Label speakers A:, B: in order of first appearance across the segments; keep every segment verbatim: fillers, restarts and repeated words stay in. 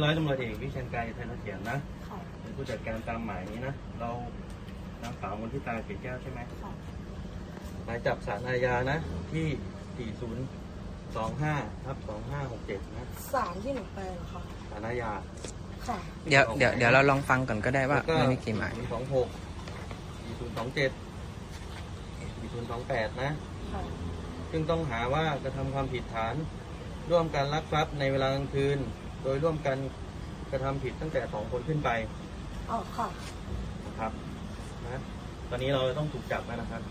A: ร้อยตำรวจเอกวิเชียรไกรไทยเสถียรนะเป็นผู้จัดการตามหมายนี้นะเรานางสาวมนทิตาเกศแก้วใช่ไหมหมายจับศาลอาญานะที่สี่ศูนย์สองห้าทับสองห้าหกเจ็ดนะ
B: ศาลที่หนูไปเหรอคะ
A: ศาลอาญา
B: ค่ะ
C: เดี๋ยวเดี๋ยวเดี๋ยวเราลองฟังก่อนก็ได้ว่าไม่มีกี่หมาย
A: สองหกสี่ศูนย์สองเจ็ดสี่ศูนย์สองแปดนะซึ่งต้องหาว่ากระทำความผิดฐานร่วมกันลักทรัพย์ในเวลากลางคืนโดยร่วมกันกระทำผิดตั้งแต่สองคนขึ้นไป
B: อ๋อค่ะ
A: นะครับนะตอนนี้เราต้องถูกจับแล้วนะครับ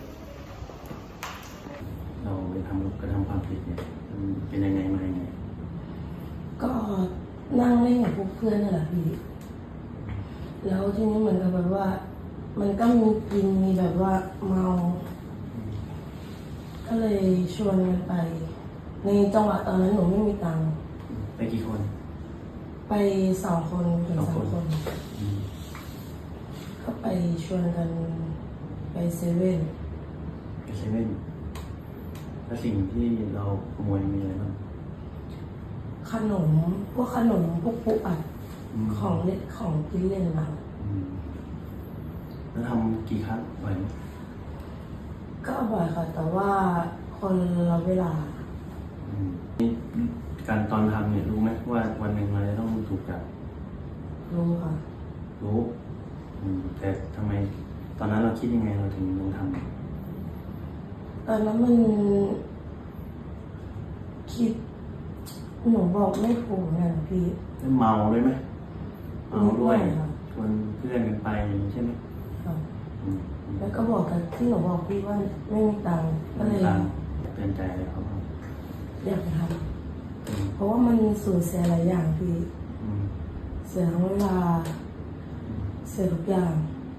A: เราไปทำกระทำความผิดเนี่ยเป็นยังไงมายังไง
B: ก็นั่งเล่นกับพวกเพื่อนนั่นแหละพี่แล้วทีนี้เหมือนกับแบบว่ามันก็มีกินมีแบบว่าเมาก็เลยชวนกันไปในจังหวะตอนนั้นหนูไม่มีตังค์
A: ไปกี่คน
B: ไปสองคนถึงสามคนก็ไปชวนกันไปเซเว่น
A: ไปเซเว่นแล้วสิ่งที่เราขโมยมีอะไรบ้าง
B: ขนมพวกขนมพวกปุ๊อัดของเล่นของกินเล่นเรา
A: แล้วทำกี่ครั้งบ่อยไหม
B: ก็บ่อยค่ะแต่ว่าคนละเวลา
A: นี่การตอนทำเนี่ยรู้ไหมว่าวันหนึ่งเราจะต้องถูกจับ
B: รู้ค่ะ
A: รู้แต่ทำไมตอนนั้นเราคิดยังไงเราถึงลงท
B: ำตอนนั้นมันคิดหนูบอกไม่ถูกนะพี่
A: เมาด้วยไหมเมาด้วยชวนเพื่อนกันไปใช่ไหม
B: แล้วก็บอกกันที่หนูบอกพี่ว่าไม่มีตังค์ก็เลย
A: เตือนใจเลยครับ
B: อยากทำเพราะว่ามันสูญเสียหลายอย่างพี่เสียทั้งเวลาเสียทุกอย่าง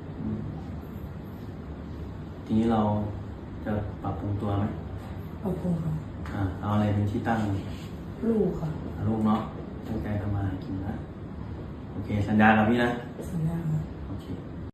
A: ทีนี้เราจะปรับปรุงตัวไหม
B: ปรับปรุงค่ะ
A: อ่าเอาอะไรเป็นที่ตั้ง
B: ลูกค่ะ
A: ลูกเนาะตั้งใจทำมากินนะโอเคสัญญากับพี่นะ